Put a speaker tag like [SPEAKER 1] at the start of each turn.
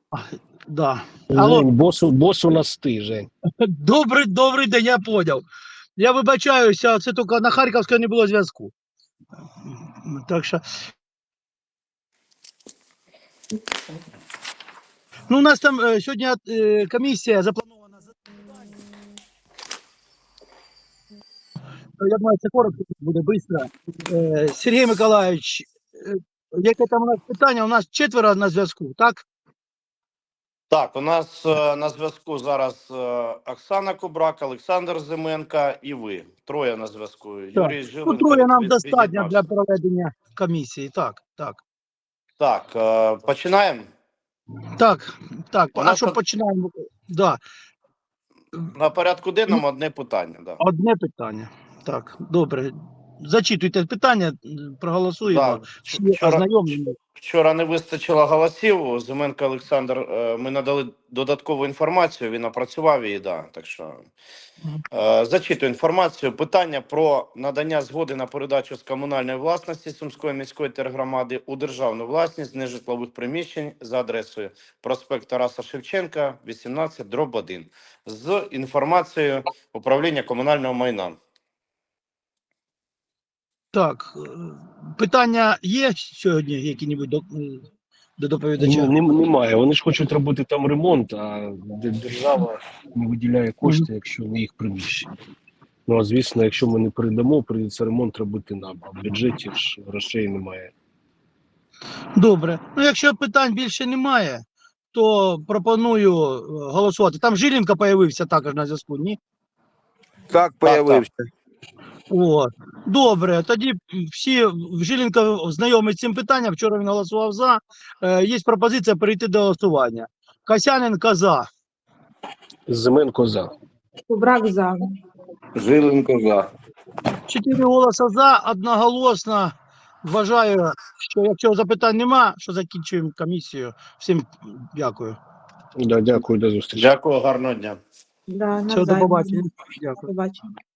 [SPEAKER 1] Да. Алло,
[SPEAKER 2] Жень, бос у нас ти, Жень.
[SPEAKER 1] добрий день, я поняв. Я вибачаюся, це тільки на Харківській не було зв'язку. Так що. Ну, у нас там сьогодні комісія запланована. Я думаю, це коротко буде швидко. Сергій Миколаївич, яке там у нас питання? У нас 4 на зв'язку, так?
[SPEAKER 3] Так, у нас на зв'язку зараз Оксана Кубрак, Олександр Зименко і ви. 3 на зв'язку. Юрій
[SPEAKER 1] Ну,
[SPEAKER 3] Жиленко
[SPEAKER 1] 3 нам достатньо
[SPEAKER 3] від'єднався.
[SPEAKER 1] для проведення комісії. Так.
[SPEAKER 3] Так, починаємо?
[SPEAKER 1] Так.
[SPEAKER 3] У
[SPEAKER 1] А
[SPEAKER 3] нас
[SPEAKER 1] що починаємо? Да.
[SPEAKER 3] на порядку денному одне питання. Да.
[SPEAKER 1] Одне питання. Так, добре. Зачитуйте питання, проголосуємо.
[SPEAKER 3] Да.
[SPEAKER 1] Всі ознайомлені.
[SPEAKER 3] Вчора не вистачило голосів. Зименко Олександр, ми надали додаткову інформацію, він опрацював її, да. Так що зачитую інформацію. Питання про надання згоди на передачу з комунальної власності Сумської міської тергромади у державну власність нежитлових приміщень за адресою проспект Тараса Шевченка, 18/1 з інформацією управління комунального майна.
[SPEAKER 1] Так, питання є сьогодні які-небудь до доповідача?
[SPEAKER 2] Немає. Вони ж хочуть робити там ремонт, а держава не виділяє кошти, якщо не їх приміщення. Ну, а звісно, якщо ми не передамо, прийдеться ремонт робити нам, а в бюджеті ж грошей немає.
[SPEAKER 1] Добре. Ну, якщо питань більше немає, то пропоную голосувати. Там Жиленко з'явився також на зв'язку, ні?
[SPEAKER 4] Так, появився.
[SPEAKER 1] О, добре, тоді всі Жиленко знайомі з цим питанням, вчора він голосував за. Є пропозиція перейти до голосування. Касяненко за.
[SPEAKER 2] Зименко за.
[SPEAKER 5] Кубрак за.
[SPEAKER 4] Жиленко за.
[SPEAKER 1] 4 голоси за, одноголосно. Вважаю, що якщо запитань нема, що закінчуємо комісію. Всім дякую.
[SPEAKER 2] Да, дякую, до зустрічі.
[SPEAKER 3] Дякую, гарного дня.
[SPEAKER 5] Да,
[SPEAKER 1] Всього до
[SPEAKER 5] навзаєм.
[SPEAKER 1] побачення. Дякую.
[SPEAKER 5] Побачення.